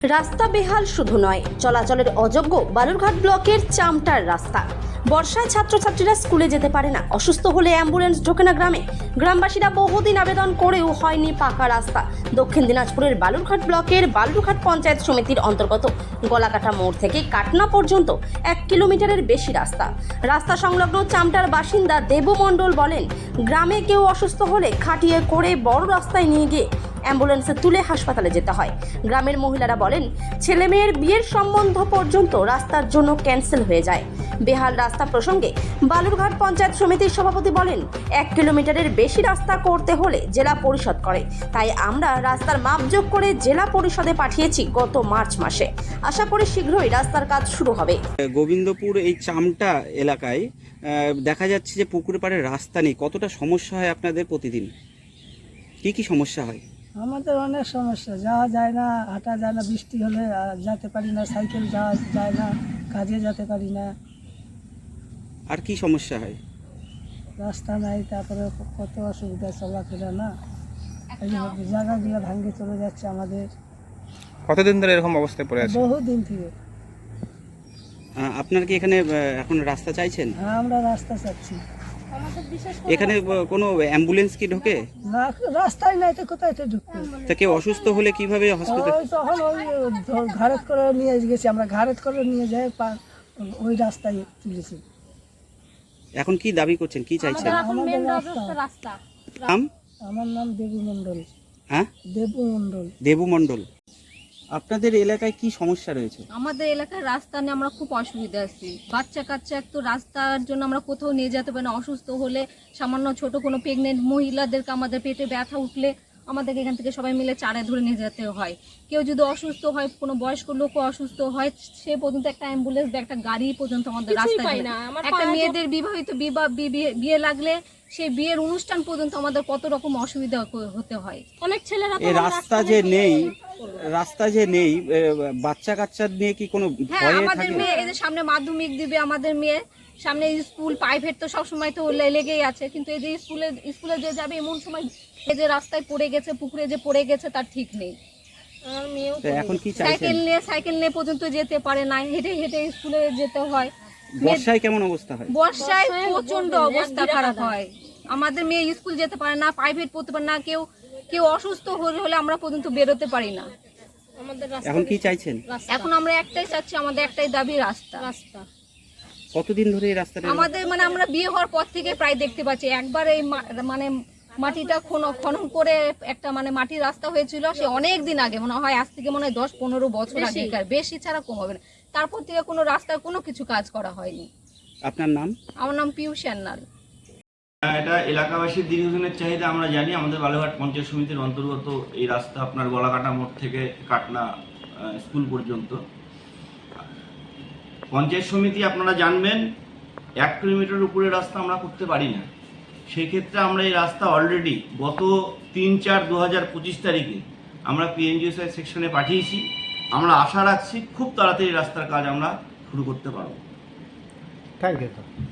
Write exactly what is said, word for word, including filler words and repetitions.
রাস্তা বেহাল শুধু নয়, চলাচলের অযোগ্য বালুরঘাট ব্লকের চামটার রাস্তা। বর্ষায় ছাত্রছাত্রীরা স্কুলে যেতে পারে না, অসুস্থ হলে অ্যাম্বুলেন্স ঢোকে না গ্রামে। গ্রামবাসীরা বহুদিন আবেদন করেও হয়নি পাকা রাস্তা। দক্ষিণ দিনাজপুরের বালুরঘাট ব্লকের বালুরঘাট পঞ্চায়েত সমিতির অন্তর্গত গলাকাটা মোড় থেকে কাটনা পর্যন্ত এক কিলোমিটারের বেশি রাস্তা। রাস্তা সংলগ্ন চামটার বাসিন্দা দেবু মণ্ডল বলেন, গ্রামে কেউ অসুস্থ হলে খাটিয়ে করে বড় রাস্তায় নিয়ে গিয়ে অ্যাম্বুলেন্সে তুলে হাসপাতালে যেতে হয়। গ্রামের মহিলারা বলেন, ছেলে মেয়ের বিয়ের সম্বন্ধ পর্যন্ত রাস্তার জন্য ক্যান্সেল হয়ে যায়। বেহাল রাস্তা প্রসঙ্গে বালুরঘাট পঞ্চায়েত সমিতির সভাপতি বলেন, এক কিলোমিটারের বেশি রাস্তা করতে হলে জেলা পরিষদ করে, তাই আমরা রাস্তার মাপজোক করে জেলা পরিষদে পাঠিয়েছি গত মার্চ মাসে। আশা করি শীঘ্রই রাস্তার কাজ শুরু হবে। গোবিন্দপুর এই চামটা এলাকায় দেখা যাচ্ছে যে পুকুর পাড়ে রাস্তা নেই। কতটা সমস্যা হয় আপনাদের প্রতিদিন? কি কি সমস্যা হয়? আমাদের অনেক সমস্যা, যাওয়া যায় না, হাঁটা যায় না, বৃষ্টি হলে যেতে পারি না, সাইকেল যাওয়া যায় না, কাজে যেতে পারি না। আর কি সমস্যা হয়? রাস্তা নাই, তারপরে কত অসুবিধা চলাফেরা না, এই জায়গাগুলো ভাঙ্গে চলে যাচ্ছে আমাদের। কতদিন ধরে এরকম অবস্থায় পড়ে আছে? বহুদিন থেকে। আপনার কি এখানে এখন রাস্তা চাইছেন? হ্যাঁ, আমরা রাস্তা চাচ্ছি। এখানে কোনো অ্যাম্বুলেন্স কি ঢোকে না? রাস্তাই নাই তো কোথায় তো ঢুকবে? তা কেউ অসুস্থ হলে কিভাবে হসপিটাল? ওই তখন ওই ঘাড়ত করে নিয়ে গেছি আমরা, ঘাড়ত করে নিয়ে যাই ওই রাস্তায় তুলেছি। এখন কি দাবি করছেন, কি চাইছেন? আমাদের রাস্তা। নাম? আমার নাম দেবু মণ্ডল। হ্যাঁ, দেবু মণ্ডল। দেবু মণ্ডল। আপনাদের এলাকায় কি সমস্যা রয়েছে? আমাদের এলাকার রাস্তা নিয়ে আমরা খুব অসুবিধা আছি। বাচ্চা কাচ্চা একটু রাস্তার জন্য আমরা কোথাও নিয়ে যেতে পারি না। অসুস্থ হলে সামান্য ছোট কোনো প্রেগনেন্ট মহিলাদেরকে আমাদের পেটে ব্যথা উঠলে আমাদেরকে এখান থেকে সবাই মিলে চারে ধরে নিয়ে যেতে হয়। কেউ যদি অসুস্থ হয়, কোনো বয়স্ক লোকও অসুস্থ হয়, সে পর্যন্ত একটা অ্যাম্বুলেন্স বা একটা গাড়ি পর্যন্ত আমাদের রাস্তায় না। একটা মেয়েদের বিবাহিত বিবাহ বিয়ে লাগলে সেই বিয়ের অনুষ্ঠান পর্যন্ত আমাদের কত রকম অসুবিধা হতে হয়। অনেক ছেলেরা এই রাস্তা যে নেই, রাস্তা যে নেই, বাচ্চা কাচ্চা নিয়ে কি কোনো হ্যাঁ, আমাদের মেয়ে এই যে সামনে মাধ্যমিক দিবে, আমাদের মেয়ে সামনে স্কুল প্রাইভেট তো সবসময় তো লেগেই আছে, কিন্তু এই যে স্কুলে স্কুলে যে যাবে এমন সময় এই যে রাস্তায় পড়ে গেছে, পুকুরে যে পড়ে গেছে তার ঠিক নেই। এখন কি চাইছেন? সাইকেল নিয়ে সাইকেল নিয়ে পর্যন্ত যেতে পারে না, হেঁটে হেঁটে স্কুলে যেতে হয়। বর্ষায় কেমন অবস্থা হয়? বর্ষায় প্রচন্ড অবস্থা খারাপ হয়। আমাদের মেয়ে স্কুল যেতে পারে না, প্রাইভেট পড়তে পারে না, কেউ কেউ অসুস্থ হলে হলে আমরা পর্যন্ত বেরোতে পারি না। এখন কি চাইছেন? এখন আমরা একটাই চাচ্ছি, আমাদের একটাই দাবি, রাস্তা। রাস্তা কতদিন ধরে এই রাস্তাটা? আমাদের মানে আমরা বিয়ে হওয়ার পর থেকে প্রায় দেখতে পাচ্ছি, একবার এই মানে মাটিটা খনন করে একটা মানে মাটির রাস্তা হয়েছিল, সে অনেক দিন আগে, মনে হয় আজ থেকে মনে হয় দশ পনেরো বছর আগে, বেশি ছাড়া কম হবে না। তারপর থেকে কোনো রাস্তায় কোনো কিছু কাজ করা হয়নি। আপনার নাম? আমার নাম পিউ সান্যাল। এটা এলাকাবাসীর দীর্ঘদিনের চাহিদা আমরা জানি। আমাদের বালুরঘাট পঞ্চায়েত সমিতির অন্তর্গত এই রাস্তা আপনার গলাকাটা মোড় থেকে কাটনা স্কুল পর্যন্ত। পঞ্চায়েত সমিতি আপনারা জানবেন এক কিলোমিটার উপরে রাস্তা আমরা করতে পারি না। সেই ক্ষেত্রে আমরা এই রাস্তা অলরেডি গত তিন চার দু হাজার পঁচিশ তারিখে আমরা পিএনজিওসি সেকশনে পাঠিয়েছি। আমরা আশা রাখছি খুব তাড়াতাড়ি রাস্তার কাজ আমরা শুরু করতে পারব। Thank you.